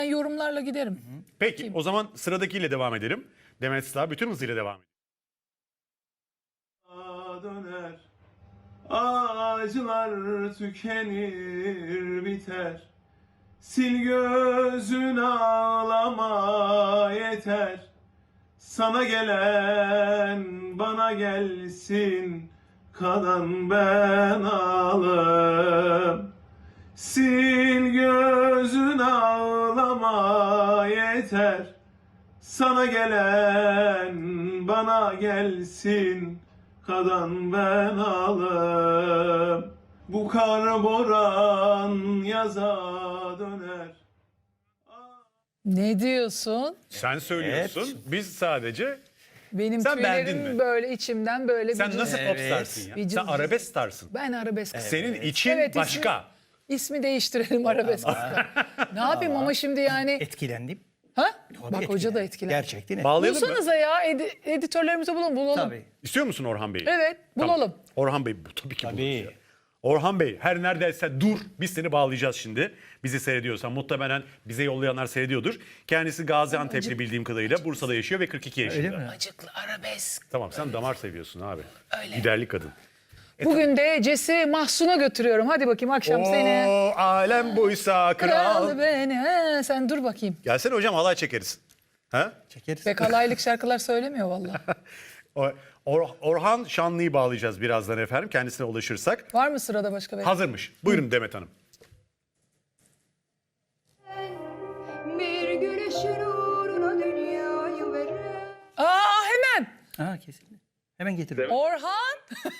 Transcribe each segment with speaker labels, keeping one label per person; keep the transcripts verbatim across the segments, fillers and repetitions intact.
Speaker 1: Ben yorumlarla giderim.
Speaker 2: Peki o zaman sıradakiyle devam edelim. Demet Sağ bütün hızıyla devam edelim.
Speaker 3: Döner, ağacılar tükenir biter. Sil gözün ağlama yeter. Sana gelen bana gelsin, kalan ben ağlarım. Sil gözün ağlama yeter. Sana gelen bana gelsin, kalan ben ağlarım. Bu kar boran yaza döner.
Speaker 1: Ne diyorsun?
Speaker 2: Sen söylüyorsun.
Speaker 4: Evet.
Speaker 2: Biz sadece
Speaker 1: Benim
Speaker 2: Sen beğendin
Speaker 1: tüylerim
Speaker 2: mi?
Speaker 1: böyle içimden böyle
Speaker 2: sen
Speaker 1: bir
Speaker 2: nasıl
Speaker 4: Evet.
Speaker 2: popstarsın ya?
Speaker 1: Bir
Speaker 2: Sen
Speaker 1: cız-
Speaker 2: arabesk starsın.
Speaker 1: Ben arabesk.
Speaker 2: Senin için
Speaker 1: Evet,
Speaker 2: başka.
Speaker 1: Ismi, ismi değiştirelim arabesk. ne yapayım ama şimdi yani.
Speaker 4: Etkilendim.
Speaker 1: Ha?
Speaker 4: Tabii
Speaker 1: Bak hoca da
Speaker 4: etkilendim.
Speaker 1: etkilendi.
Speaker 4: Gerçekten etkilendim.
Speaker 2: Bağlayalım mı?
Speaker 1: Bulsanıza ya edi- editörlerimizi bulun bulalım.
Speaker 4: Tabii.
Speaker 2: İstiyor musun Orhan Bey'i?
Speaker 1: Evet
Speaker 2: Tamam.
Speaker 1: bulalım.
Speaker 2: Orhan Bey bu tabii ki
Speaker 4: Tabii.
Speaker 2: buluruz ya. Orhan Bey her neredeyse dur. Biz seni bağlayacağız şimdi. Bizi seyrediyorsan muhtemelen bize yollayanlar seyrediyordur. Kendisi Gaziantep'li bildiğim kadarıyla Bursa'da yaşıyor ve kırk iki yaşında.
Speaker 4: Öyle mi?
Speaker 1: Acıklı arabesk.
Speaker 2: Tamam sen damar seviyorsun abi.
Speaker 1: Öyle.
Speaker 2: Giderli kadın.
Speaker 1: Bugün de Ces'i Mahsun'a götürüyorum. Hadi bakayım akşam seni.
Speaker 2: O alem buysa kral.
Speaker 1: Kral beni. He, sen dur bakayım.
Speaker 2: Gelsene hocam halay çekeriz. Ha?
Speaker 4: Çekeriz.
Speaker 1: Pek alaylık şarkılar söylemiyor vallahi.
Speaker 2: O- Or- Orhan Şanlı'yı bağlayacağız birazdan efendim kendisine ulaşırsak.
Speaker 1: Var mı sırada başka bir?
Speaker 2: Hazırmış. Buyurun Demet Hanım.
Speaker 5: Bir güneşin uğruna dünyayı veren.
Speaker 1: Aa hemen.
Speaker 4: Ha kesin. Hemen getiriyorum.
Speaker 1: Orhan.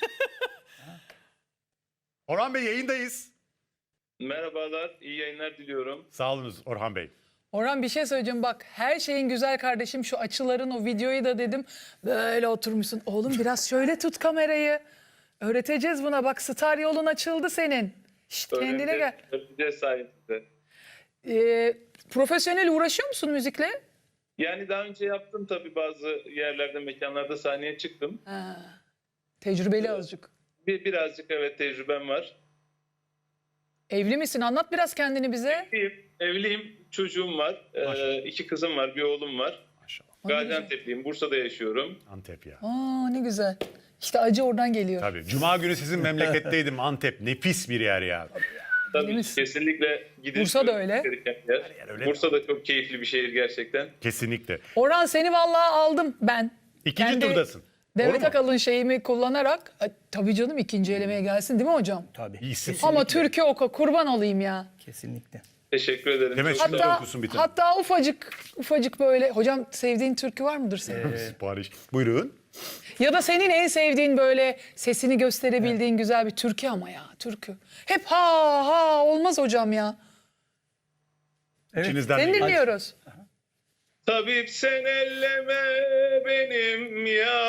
Speaker 2: Orhan Bey yayındayız.
Speaker 3: Merhabalar, iyi yayınlar diliyorum.
Speaker 2: Sağ olunuz Orhan Bey.
Speaker 1: Orhan bir şey söyleyeceğim bak her şeyin güzel kardeşim şu açıların o videoyu da dedim böyle oturmuşsun. Oğlum biraz şöyle tut kamerayı. Öğreteceğiz buna bak star yolun açıldı senin. Şşt kendine gel.
Speaker 3: Öğreneceğiz sayesinde.
Speaker 1: Ee, profesyonel uğraşıyor musun müzikle?
Speaker 3: Yani daha önce yaptım tabii bazı yerlerde, mekanlarda sahneye çıktım.
Speaker 1: Ha, tecrübeli azıcık.
Speaker 3: Bir birazcık evet tecrübem var.
Speaker 1: Evli misin? Anlat biraz kendini bize.
Speaker 3: Evliyim, evliyim, çocuğum var.
Speaker 2: Maşallah.
Speaker 3: Ee, iki kızım var, bir oğlum var.
Speaker 2: Maşallah.
Speaker 3: Gaziantep'liyim, Bursa'da yaşıyorum.
Speaker 2: Antep ya.
Speaker 1: Aa ne güzel. İşte acı oradan geliyor.
Speaker 2: Tabii. Cuma günü sizin memleketteydim Antep. Nefis bir yer ya.
Speaker 3: Tabii
Speaker 1: misin?
Speaker 3: kesinlikle gidilmesi
Speaker 1: Bursa da öyle.
Speaker 3: gereken yer.
Speaker 2: yer öyle.
Speaker 3: Bursa da çok keyifli bir şehir gerçekten.
Speaker 2: Kesinlikle.
Speaker 1: Orhan seni vallahi aldım ben.
Speaker 2: İkinci
Speaker 1: Kendi
Speaker 2: turdasın. Doğru
Speaker 1: Demet
Speaker 2: mu?
Speaker 1: Akalın şeyimi kullanarak e, tabii canım ikinci elemeye gelsin değil mi hocam?
Speaker 4: Tabii.
Speaker 2: İyisin.
Speaker 1: Ama türkü oku kurban olayım ya.
Speaker 4: Kesinlikle.
Speaker 3: Teşekkür ederim.
Speaker 2: Demet
Speaker 3: Çok
Speaker 2: şimdi
Speaker 3: sağ olun.
Speaker 1: Hatta
Speaker 2: okusun bir tane.
Speaker 1: hatta ufacık ufacık böyle hocam sevdiğin türkü var mıdır senin?
Speaker 2: Sipariş. Buyurun.
Speaker 1: Ya da senin en sevdiğin böyle sesini gösterebildiğin güzel bir türkü ama ya türkü. Hep ha ha olmaz hocam ya.
Speaker 4: Evet.
Speaker 2: İçinizden
Speaker 1: Seni
Speaker 2: biri.
Speaker 1: dinliyoruz.
Speaker 3: Tabip sen elleme benim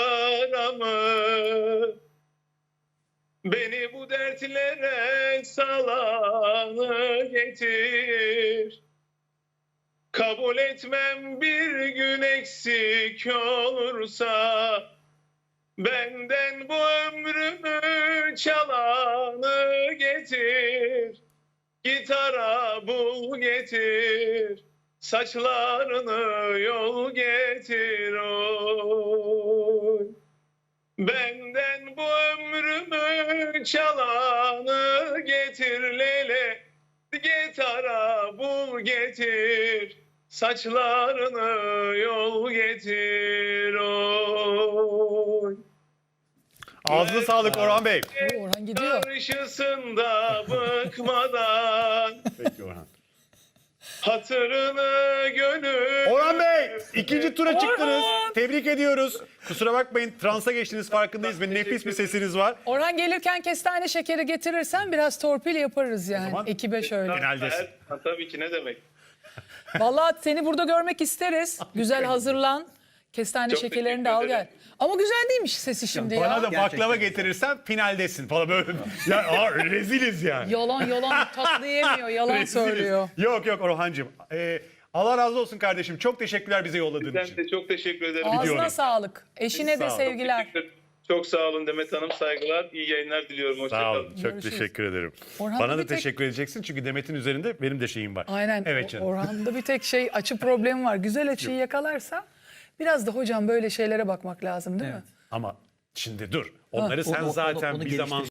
Speaker 3: yaramı. Beni bu dertlere salanı getir. Kabul etmem bir gün eksik olursa. Benden bu ömrümü çalanı getir. Gitara bul getir. Saçlarını yol getir oy. Benden bu ömrümü çalanı getir lele. Gitara bul getir. Saçlarını yol getir oy.
Speaker 2: Ağzına sağlık Orhan Bey.
Speaker 1: Oo, Orhan gidiyor.
Speaker 3: Karşısında bıkmadan
Speaker 2: Peki Orhan.
Speaker 3: hatırını gönül.
Speaker 2: Orhan Bey ikinci tura çıktınız.
Speaker 1: Orhan!
Speaker 2: Tebrik ediyoruz. Kusura bakmayın transa geçtiniz farkındayız ve nefis bir sesiniz var.
Speaker 1: Orhan gelirken kestane şekeri getirirsen biraz torpil yaparız yani
Speaker 2: zaman-
Speaker 1: ekibe şöyle.
Speaker 2: Finaldesin.
Speaker 3: Ha, tabii ki ne demek.
Speaker 1: Vallahi seni burada görmek isteriz. Güzel hazırlan. Kestane
Speaker 3: Çok
Speaker 1: şekerlerini de
Speaker 3: teşekkür
Speaker 1: al gel.
Speaker 3: ederim.
Speaker 1: Ama güzel değilmiş sesi şimdi
Speaker 2: Bana
Speaker 1: ya.
Speaker 2: da baklava
Speaker 4: Gerçekten.
Speaker 2: getirirsen finaldesin falan böyle. Ya aa, reziliz yani.
Speaker 1: Yalan yalan tatlı yemiyor, yalan
Speaker 2: Reziliz.
Speaker 1: söylüyor.
Speaker 2: Yok yok Orhancığım. Ee, Allah razı olsun kardeşim. Çok teşekkürler bize yolladığın
Speaker 3: Ben
Speaker 2: için.
Speaker 3: de çok teşekkür ederim.
Speaker 2: Biliyorum.
Speaker 1: Ağzına sağlık. Eşine
Speaker 2: Sağ
Speaker 1: de
Speaker 2: ol.
Speaker 1: sevgiler.
Speaker 3: Teşekkür, Çok sağ olun Demet Hanım. Saygılar. İyi yayınlar diliyorum. Hoşça
Speaker 2: Sağ
Speaker 3: kalın.
Speaker 2: olun. Çok
Speaker 1: Görüşürüz.
Speaker 2: teşekkür ederim.
Speaker 1: Orhan'da
Speaker 2: Bana da
Speaker 1: bir tek-
Speaker 2: teşekkür edeceksin çünkü Demet'in üzerinde benim de şeyim var.
Speaker 1: Aynen.
Speaker 2: Evet
Speaker 1: O-
Speaker 2: canım.
Speaker 1: Orhan'da bir tek şey açı problemi var. Güzel açıyı yakalarsa biraz da hocam böyle şeylere bakmak lazım değil mi?
Speaker 2: Ama şimdi dur. Onları
Speaker 4: O-
Speaker 2: sen
Speaker 4: o- onu-
Speaker 2: zaten
Speaker 4: onu
Speaker 2: bir zaman
Speaker 4: geliştir-